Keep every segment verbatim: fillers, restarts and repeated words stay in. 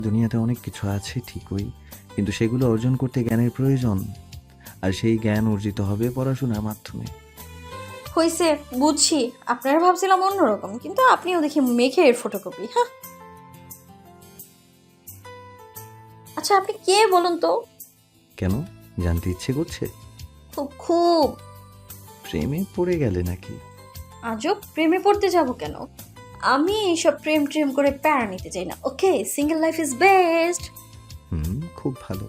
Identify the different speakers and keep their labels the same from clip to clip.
Speaker 1: দুনিয়াতে অনেক কিছু আছে ঠিকই, কিন্তু সেগুলো অর্জন করতে জ্ঞানের প্রয়োজন। আর সেই জ্ঞান অর্জিত হবে পড়াশোনার মাধ্যমে।
Speaker 2: হয়েছে, বুঝছি। আপনারা ভাবছিলাম অন্যরকম, কিন্তু আপনিও দেখি মেঘের ফটোকপি। হ্যাঁ, আচ্ছা আপনি কে বলুন তো?
Speaker 1: কেন, জানতে ইচ্ছে করছে?
Speaker 2: খুব খুব।
Speaker 1: প্রেমে পড়ে গেলে নাকি?
Speaker 2: আজব, প্রেমে পড়তে যাব কেন? আমি এইসব প্রেম ট্রেম করে প্যারা নিতে চাই না। Okay, single life is best.
Speaker 1: হুম, খুব ভালো।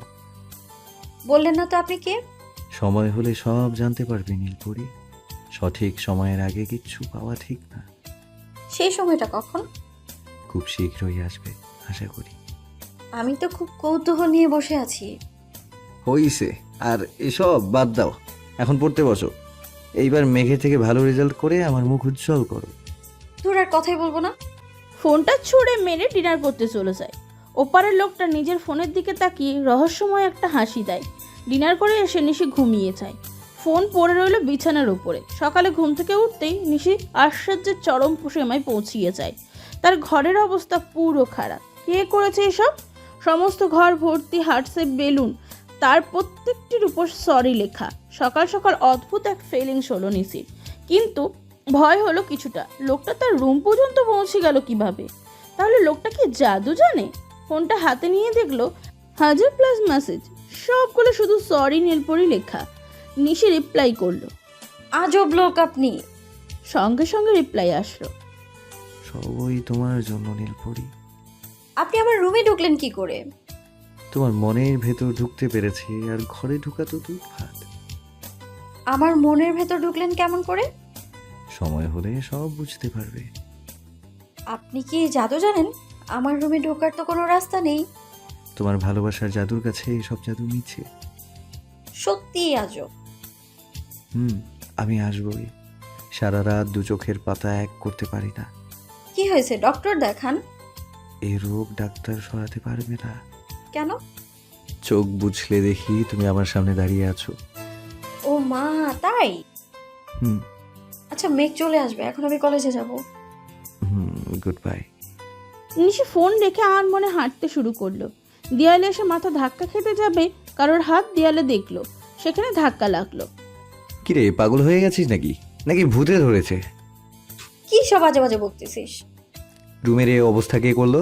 Speaker 2: বললেন না তো আপনি কে?
Speaker 1: সময় হলে সব জানতে পারবে নীলপরি। সঠিক সময়ের আগে কিচ্ছু পাওয়া ঠিক না।
Speaker 2: সেই সময়টা কখন?
Speaker 1: খুব শীঘ্রই আসবে আশা করি।
Speaker 2: আমি তো খুব কৌতূহল নিয়ে বসে আছি।
Speaker 1: হইছে, আর এসব বাদ দাও, এখন পড়তে বসো। এইবার মেঘে থেকে ভালো রেজাল্ট করে আমার মুখ উজ্জ্বল করো।
Speaker 2: তোর আর কথাই বলবো না।
Speaker 3: ফোনটা ছুঁড়ে মেরে ডিনার করতে চলে যায়। ওপারের লোকটা নিজের ফোনের দিকে তাকিয়ে রহস্যময় একটা হাসি দেয়। ডিনার করে এসে নিশি ঘুমিয়ে যায়। ফোন পড়ে রইল বিছানার উপরে। সকালে ঘুম থেকে উঠতেই নিশি আশ্চর্যের চরম সীমায় পৌঁছিয়ে যায়। তার ঘরের অবস্থা পুরো খারাপ। কে করেছে এসব? সমস্ত ঘর ভর্তি হার্টসে বেলুন, তার প্রত্যেকটির উপর সরি লেখা। সকাল সকাল অদ্ভুত এক ফিলিংস হলো নিশির, কিন্তু ভয় হলো কিছুটা। লোকটা তার রুম পর্যন্ত পৌঁছে গেল কিভাবে? তাহলে লোকটা কি জাদু জানে? ফোনটা হাতে নিয়ে দেখলো হাজার প্লাস মেসেজ, সবগুলো শুধু সরি নীলপরি লেখা। নিশি রিপ্লাই করলো।
Speaker 2: আজব লোক আপনি।
Speaker 3: সঙ্গে সঙ্গে রিপ্লাই আসলো।
Speaker 1: সবই তোমার জন্য নীলপরি।
Speaker 2: আপনি আমার রুমে ঢুকলেন কি করে?
Speaker 1: তোমার মনের ভেতর ঢুকতে পেরেছি, আর ঘরে ঢুকা তো দুধ ভাত।
Speaker 2: আমার মনের ভেতর ঢুকলেন কেমন করে?
Speaker 1: সময় হলে সব বুঝতে পারবে।
Speaker 2: আপনি কি জাদু জানেন? আমার রুমে ঢোকার তো কোনো রাস্তা নেই।
Speaker 1: তোমার ভালোবাসার জাদুর কাছে এসব জাদু মিছে।
Speaker 2: সত্যি আজব।
Speaker 1: হুম, আমি আসবই। সারা রাত দু চোখের পাতা এক করতে পারি না।
Speaker 2: কি হয়েছে, ডক্টর দেখান।
Speaker 1: এই রোগ ডাক্তার সরাতে পারবে না।
Speaker 2: কেন?
Speaker 1: চোখ বুঝলে দেখি তুমি আমার সামনে দাঁড়িয়ে আছো।
Speaker 2: ও মা, তাই?
Speaker 1: হুম
Speaker 2: আচ্ছা, মেঘ চলে আসবে, এখন আমি কলেজে যাব।
Speaker 1: হুম গুড বাই।
Speaker 3: নিশি ফোন রেখে আনমনে হাঁটতে শুরু করলো। দেয়ালে এসে মাথা ধাক্কা খেতে যাবে, কারোর হাত দেয়ালে দেখলো, সেখানে ধাক্কা লাগলো।
Speaker 1: কিরে, পাগল হয়ে গেছিস নাকি নাকি ভূতে ধরেছে?
Speaker 2: কি সব বাজে বাজে বকতেছিস?
Speaker 1: রুমের এই অবস্থা কে করলো?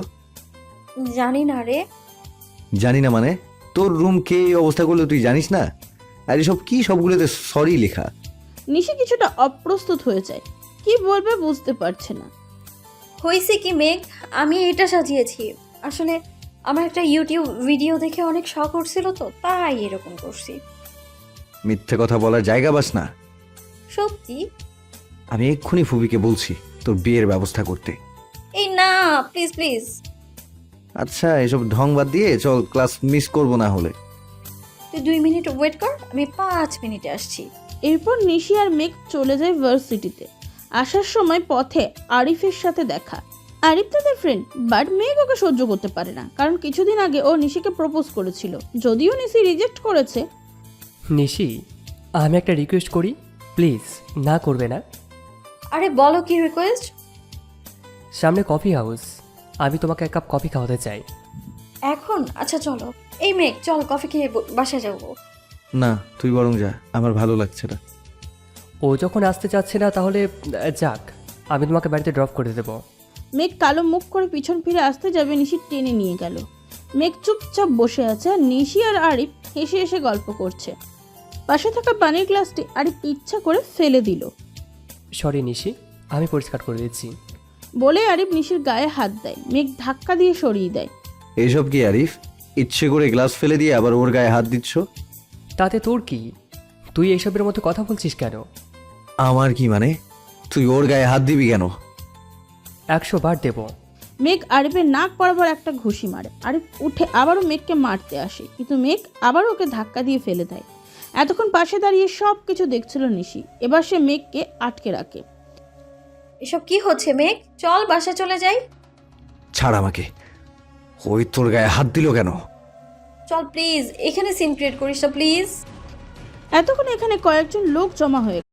Speaker 2: জানি না রে।
Speaker 1: জানি না মানে? তোর রুম কে এই অবস্থা করলো তুই জানিস না? আর এসব কি সবগুলোতে সরি লেখা?
Speaker 3: নিশি কিছুটা অপ্রস্তুত হয়ে যায়। কি বলবে বুঝতে পারছে না।
Speaker 2: হয়েছে কি মেঘ, আমি এটা সাজিয়েছি। আসলে আমার একটা ইউটিউব ভিডিও দেখে অনেক শখ উঠছিল, তো তাই এরকম করছি।
Speaker 1: মিথ্যে কথা বলার জায়গা বাস না।
Speaker 2: সত্যি।
Speaker 1: আমি এক্ষুনি ফুবিকে বলছি তোর বিয়ের ব্যবস্থা করতে।
Speaker 2: এই না, প্লিজ প্লিজ।
Speaker 1: আচ্ছা, এসব ঢং বাদ দিয়ে চল, ক্লাস মিস করবো না হলে।
Speaker 2: তুই দুই মিনিট ওয়েট কর, আমি পাঁচ মিনিটে আসছি।
Speaker 3: এরপর নিশি আর মেঘ চলে যায় ভার্সিটিতে। আসার সময় পথে আরিফের সাথে দেখা। আরিফ তাদের ফ্রেন্ড, বাট মেঘ ওকে সহ্য করতে পারে না, কারণ কিছুদিন আগে ও নিশিকে প্রপোজ করেছিল। যদিও নিশি রিজেক্ট করেছে।
Speaker 4: নিশি, আমি একটা রিকোয়েস্ট করি, প্লিজ না করবে না?
Speaker 2: আরে বলো, কি রিকোয়েস্ট?
Speaker 4: সামনে কফি হাউস, আমি তোমাকে এক কাপ কফি খাওয়াতে চাই।
Speaker 2: এখন? আচ্ছা চলো। এই মেঘ, চল কফি খেয়ে ব- বাসায় যাবো।
Speaker 1: না, তুই বরং যা, আমার ভালো লাগছে না।
Speaker 4: ও যখন আসতে চাচ্ছে না, তাহলে আহ, যাক, আমি তোমাকে বাড়িতে ড্রপ করে দেবো।
Speaker 3: মেঘ কালো মুখ করে পিছন ফিরে আসতে যাবে, নিশি টেনে নিয়ে গেল। মেঘ চুপচাপ বসে আছে, আর নিশি আর আরিফ হেসে হেসে গল্প করছে। পাশে থাকা পানির গ্লাসটি আরিফ ইচ্ছা করে ফেলে দিল।
Speaker 4: সরি নিশি, আমি পরিষ্কার করে দিচ্ছি।
Speaker 3: বলে আরিফ নিশির গায়ে হাত দেয়। মেঘ ধাক্কা দিয়ে সরিয়ে দেয়।
Speaker 1: এইসব কি আরিফ? ইচ্ছে করে গ্লাস ফেলে দিয়ে আবার ওর গায়ে হাত দিচ্ছ?
Speaker 4: তাতে তোর কি? তুই এইসবের মতো কথা বলছিস কেন?
Speaker 1: আমার কি মানে? তুই ওর গায়ে হাত দিবি কেন?
Speaker 4: একশো বার দেবো।
Speaker 3: মেঘ আরিফের নাক বরাবর একটা ঘুষি মারে। আরিফ উঠে আবারও মেঘকে মারতে আসে, কিন্তু মেঘ আবার ওকে ধাক্কা দিয়ে ফেলে দেয়। এতক্ষণ পাশে দাঁড়িয়ে সব কিছু দেখছিল নিশি, এবার সে মেঘকে আটকে রাখে।
Speaker 2: এসব কি হচ্ছে মেঘ? চল বাসায় চলে যাই।
Speaker 1: ছাড় আমাকে। ওই তোর গায়ে হাত দিল কেন?
Speaker 2: চল প্লিজ, এখানে সিন ক্রিয়েট করিস না প্লিজ।
Speaker 3: এতক্ষণ এখানে কয়েকজন লোক জমা হয়ে